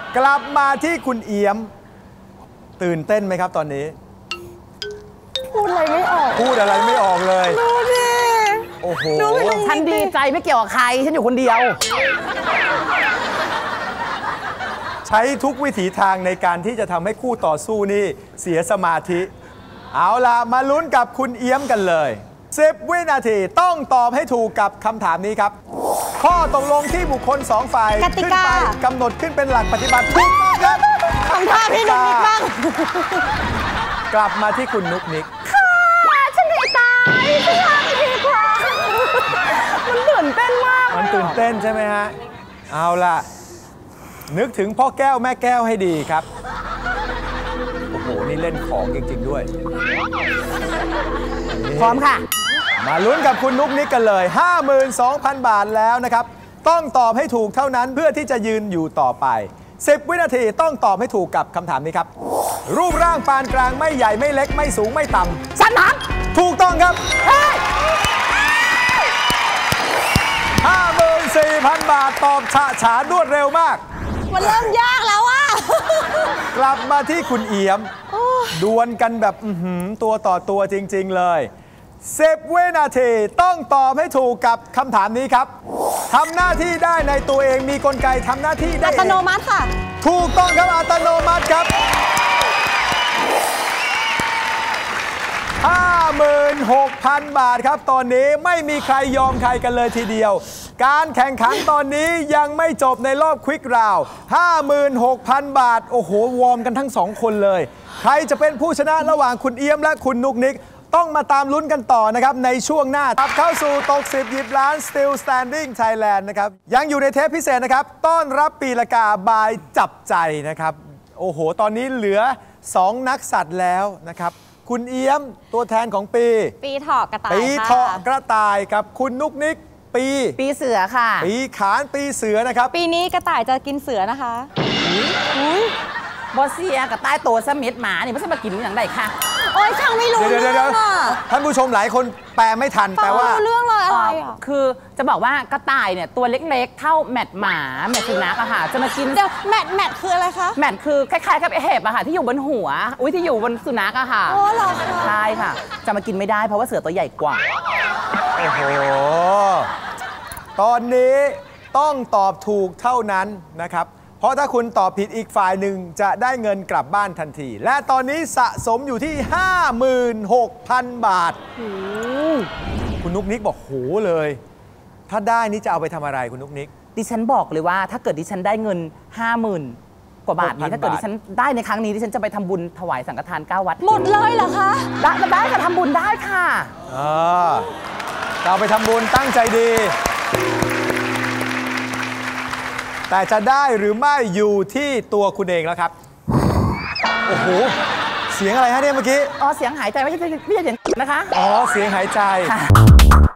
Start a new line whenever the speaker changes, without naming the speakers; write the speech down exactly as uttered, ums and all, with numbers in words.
กลับมาที่คุณเอี้ยมตื่นเต้นไหมครับตอนนี้
พูดอะไรไม่ออก
พูดอะไรไม่ออกเลย
ดูดิ
โอ้โห
ฉันดีใจไม่เกี่ยวกับใครฉันอยู่คนเดียว
ใช้ทุกวิถีทางในการที่จะทำให้คู่ต่อสู้นี่เสียสมาธิเอาล่ะมาลุ้นกับคุณเอี้ยมกันเลยสิบวินาทีต้องตอบให้ถูกกับคำถามนี้ครับข้อตกลงที่บุคคลสองฝ่ายขึ้นไปกำหนดขึ้นเป็นหลักปฏิบัติถูกต้องครับ
ทำท่าพี่นุ๊กนิกบ้าง
กลับมาที่คุณนุ๊กนิก
ค่ะฉันไม่ตายฉันทำดีกว่ามันตื่นเต้นมาก
มันตื่นเต้นใช่ไหมฮะเอาล่ะนึกถึงพ่อแก้วแม่แก้วให้ดีครับโอ้โหนี่เล่นของจริงๆด้วย
พร้อมค่ะ
มาลุ้นกับคุณนุ๊กนิกกันเลย ห้าหมื่นสองพัน บาทแล้วนะครับต้องตอบให้ถูกเท่านั้นเพื่อที่จะยืนอยู่ต่อไปสิบวินาทีต้องตอบให้ถูกกับคำถามนี้ครับรูปร่างปานกลางไม่ใหญ่ไม่เล็กไม่สูงไม่ต่ำ
ฉันทับ
ถูกต้องครับ ห้าหมื่นสี่พัน บาทตอบฉะฉานรวดเร็วมาก
มันเริ่มยากแล้วอะ
กลับมาที่คุณเอี้ยมดวลกันแบบตัวต่อตัวจริงๆเลยสิบวินาทีต้องตอบให้ถูกกับคำถามนี้ครับทำหน้าที่ได้ในตัวเองมีกลไกทำหน้าที่ได้
อัตโนมัติค่ะ
ถูกต้องครับอัตโนมัติครับ ห้าหมื่นหกพัน บาทครับตอนนี้ไม่มีใครยอมใครกันเลยทีเดียวการแข่งขันตอนนี้ยังไม่จบในรอบควิกราวด์ ห้าหมื่นหกพัน บาทโอ้โหวอร์มกันทั้งสองคนเลยใครจะเป็นผู้ชนะระหว่างคุณเอี้ยมและคุณนุ๊กนิกต้องมาตามลุ้นกันต่อนะครับในช่วงหน้าครับเข้าสู่ตกสิบหยิบล้าน Still Standing Thailand นะครับยังอยู่ในเทปพิเศษนะครับต้อนรับปีละกาบายจับใจนะครับโอ้โหตอนนี้เหลือสองนักสัตว์แล้วนะครับคุณเอี้ยมตัวแทนของปี
ปีเถาะกระต่าย
ปีเถาะกระต่ายครับคุณนุ๊กนิกปี
ปีเสือค่ะ
ปีขานปีเสือนะครับ
ปีนี้กระต่ายจะกินเสือนะคะอุ้ยบอสเซียกับใต้โตสมิธหมานี่ไม่ใช่มากินอย่างไรค่ะโอ้ยช่างไม่รู้เรื่องอ่ะ
ท่านผู้ชมหลายคนแปลไม่ทันแปลว่า
เรื่องเลยอะไรอ่ะคือจะบอกว่ากระต่ายเนี่ยตัวเล็กๆเท่าแมดหมาแมดสุนัขอะค่ะจะมากินเดี๋ยวแมดแมดคืออะไรคะแมดคือคล้ายๆกับเห็บอะค่ะที่อยู่บนหัวอุ้ยที่อยู่บนสุนัขอะค่ะโอ้หรอคะใช่ค่ะจะมากินไม่ได้เพราะว่าเสือตัวใหญ่กว่า
โอ้โหตอนนี้ต้องตอบถูกเท่านั้นนะครับเพราะถ้าคุณตอบผิดอีกฝ่ายหนึ่งจะได้เงินกลับบ้านทันทีและตอนนี้สะสมอยู่ที่ ห้าหมื่นหกพัน บาทคุณนุ๊กนิกบอกโหเลยถ้าได้นี่จะเอาไปทำอะไรคุณนุ๊กนิก
ดิฉันบอกเลยว่าถ้าเกิดดิฉันได้เงิน ห้าหมื่น กว่าบาทนี้ถ้าเกิดดิฉันได้ในครั้งนี้ดิฉันจะไปทำบุญถวายสังฆทานเก้าวัดหมดเลยเหรอคะได้ได้ค่ะทำบุญได้ค่ะ
อ่าเราไปทำบุญตั้งใจดีแต่จะได้หรือไม่อยู่ที่ตัวคุณเองแล้วครับโอ้โหเสียงอะไรฮะเนี่ยเมื่อกี้
อ๋อเสียงหายใจไม่ใช่ไม่ใช่เสียงนะคะ
อ๋อเสียงหายใจ